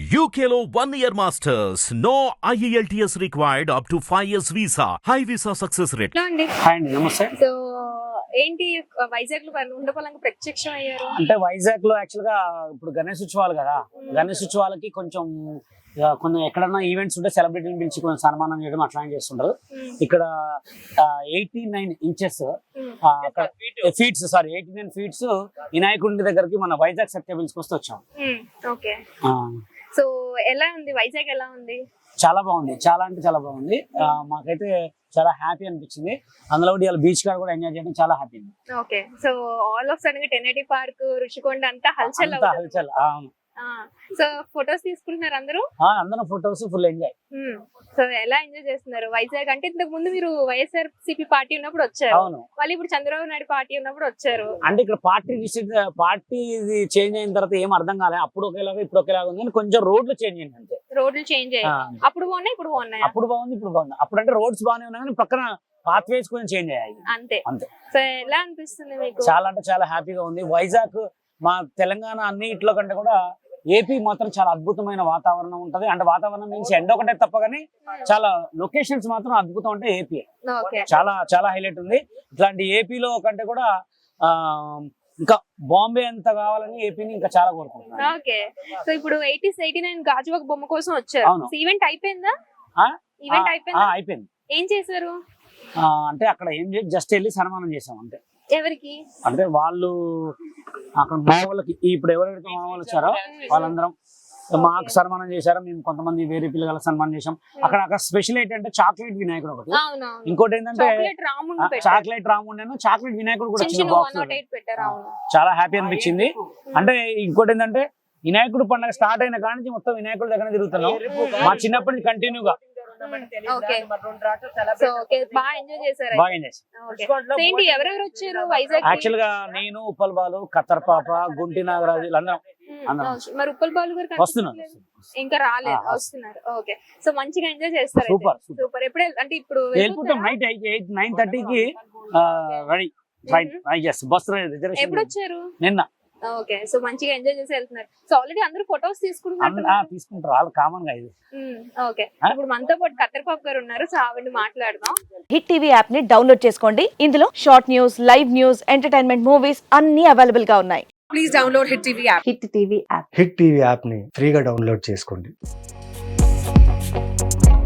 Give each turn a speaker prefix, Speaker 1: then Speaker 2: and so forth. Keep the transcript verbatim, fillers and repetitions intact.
Speaker 1: U K లో one year masters. No I E L T S required up to five years visa. High visa success rate.
Speaker 2: Hello అండి.
Speaker 3: Hi అండి, నమస్తే.
Speaker 2: So ఏంటి వైజాగ్ లో ఉండపలంగా ప్రత్యక్షం అయ్యారు?
Speaker 3: అంటే వైజాగ్ లో యాక్చువల్ గా ఇప్పుడు గణేష్ ఉత్సవాలు కదా, గణేష్ ఉత్సవాలకి కొంచెం ఇక కొన్ని ఎక్కడన్నా ఈవెంట్స్ ఉంటే సెలబ్రిటీని పిలిచి కొంచెం సన్మానం చేయడం అట్లా చేస్తుంటారు. ఇక్కడ eighty nine inches feets sorry eighty nine feets వినాయకుడి దగ్గరికి మన వైజాగ్ సత్యబిల్స్ కి వస్తే వచ్చాం.
Speaker 2: ఓకే, సో ఎలా ఉంది వైజాగ్? ఎలా ఉంది?
Speaker 3: చాలా బాగుంది, చాలా అంటే చాలా బాగుంది. మాకైతే చాలా హ్యాపీ అనిపించింది. అందులో కూడా ఇలా బీచ్ కాడ కూడా ఎంజాయ్ చేయడం చాలా happy.
Speaker 2: Okay, so all of sudden గా టెన్ ఎయిటీ పార్క్, రుషికొండ అంతా హల్చల్
Speaker 3: హల్చల్.
Speaker 2: సో ఫొటోస్ తీసుకుంటున్నారు అందరూ?
Speaker 3: అందరం ఫొటోస్ ఫుల్ ఎంజాయ్.
Speaker 2: సో ఎలా ఎంజాయ్ చేస్తున్నారు వైజాగ్? అంటే ఇంతకు ముందు మీరు వైఎస్ఆర్ సిపి పార్టీ ఉన్నప్పుడు వచ్చారు, వాళ్ళు ఇప్పుడు చంద్రబాబు నాయుడు పార్టీ ఉన్నప్పుడు వచ్చారు.
Speaker 3: అంటే ఇక్కడ పార్టీ పార్టీ చేంజ్ అయిన తర్వాత ఏం అర్థం కాలేదు. అప్పుడు ఒకేలాగా ఇప్పుడు ఒకేలాగా ఉంది, కొంచెం రోడ్లు చేంజ్ అయింది అంతే.
Speaker 2: రోడ్లు చేంజ్ అయ్యాయి, అప్పుడు బాగున్నాయి ఇప్పుడు బాగున్నాయి.
Speaker 3: అప్పుడు బాగుంది ఇప్పుడు బాగుంది. అప్పుడు అంటే రోడ్స్ బాగానే ఉన్నాయి కానీ పక్కన పాత్ వేస్ కొంచెం చేంజ్ అయ్యాయి
Speaker 2: అంతే
Speaker 3: అంతే.
Speaker 2: సో ఎలా అనిపిస్తుంది మీకు?
Speaker 3: చాలా అంటే చాలా హ్యాపీగా ఉంది. వైజాగ్ మా తెలంగాణ అన్నిట్లో కంటే కూడా ఏపీ మాత్రం చాలా అద్భుతమైన వాతావరణం ఉంటది. అంటే వాతావరణం మీన్స్ ఎండ ఒకటే తప్ప కానీ చాలా లొకేషన్స్ మాత్రం అద్భుతం. అంటే ఏపీ చాలా చాలా హైలైట్ ఉంది. ఇట్లాంటి ఏపీలో కంటే కూడా ఆ ఇంకా బాంబే ఎంత కావాలని ఏపీని ఇంకా చాలా కోరుకుంటున్నాను.
Speaker 2: ఓకే, సో ఇప్పుడు ఎయిటీస్ ఎయిటీ నైన్ గాజువాక బొమ్మ కోసం వచ్చారు. ఈవెంట్ అయిపోయిందా? ఈవెంట్ అయిపోయిందా?
Speaker 3: అయిపోయింది.
Speaker 2: ఏం చేశారు?
Speaker 3: అంటే అక్కడ ఏం చేసి జస్ట్ వెళ్ళి సన్మానం చేసాం అంతే.
Speaker 2: ఎవరికి?
Speaker 3: అంటే వాళ్ళు అక్కడ మా వాళ్ళకి ఇప్పుడు ఎవరైతే మా వాళ్ళు వచ్చారో వాళ్ళందరం మాకు సన్మానం చేశారు. మేము కొంతమంది వేరే పిల్లల సన్మానం చేసాం. అక్కడ అక్కడ స్పెషల్ ఏంటంటే చాక్లెట్ వినాయకుడు ఒకటి, ఇంకోటి ఏంటంటే చాక్లెట్ రాముండేను చాక్లెట్ వినాయకుడు కూడా చిన్న బాక్స్. చాలా హ్యాపీ అనిపించింది. అంటే ఇంకోటి ఏంటంటే వినాయకుడు పండుగ స్టార్ట్ అయిన కాడి నుంచి మొత్తం వినాయకుడి దగ్గర తిరుగుతున్నాం. మా చిన్నప్పటి నుంచి కంటిన్యూగా యాక్చువల్ గా నేను ఉప్పల్ బాలు, ఖత్తర్ పాప, గుంటి నాగరాజు వీళ్ళందరం
Speaker 2: మరి ఉప్పల్ బాలు గారు
Speaker 3: వస్తున్నారు,
Speaker 2: ఇంకా రాలేదు, వస్తున్నారు. ఓకే, సో మంచిగా ఎంజాయ్ చేస్తారు.
Speaker 3: Super
Speaker 2: super. ఎప్పుడు అంటే ఇప్పుడు
Speaker 3: వెళ్ళిపోతాం నైట్ ఎయిట్ నైన్ థర్టీకి రెడీ ట్రైన్. Bus reservation.
Speaker 2: ఎప్పుడు వచ్చారు?
Speaker 3: నిన్న.
Speaker 2: ఓకే, సో మంచిగా ఎంజాయ్ చేసి వెళ్తున్నారు. సో ఆల్రెడీ అందరూ ఫొటోస్ తీసుకుంటున్నారు.
Speaker 3: తీసుకుంటారు వాళ్ళు కామన్ గా ఇది.
Speaker 2: ఓకే, ఇప్పుడు మనతో పాటు కత్తెరపాపు గారు ఉన్నారు. సో ఆవిడ మాట్లాడదాం.
Speaker 4: హిట్ టీవీ యాప్ ని డౌన్లోడ్ చేసుకోండి. ఇందులో short news, live news, entertainment movies అన్ని అవైలబుల్ గా ఉన్నాయి.
Speaker 5: Please download hit TV app.
Speaker 4: Hit TV app
Speaker 6: hit TV app ని ఫ్రీగా డౌన్లోడ్ చేసుకోండి.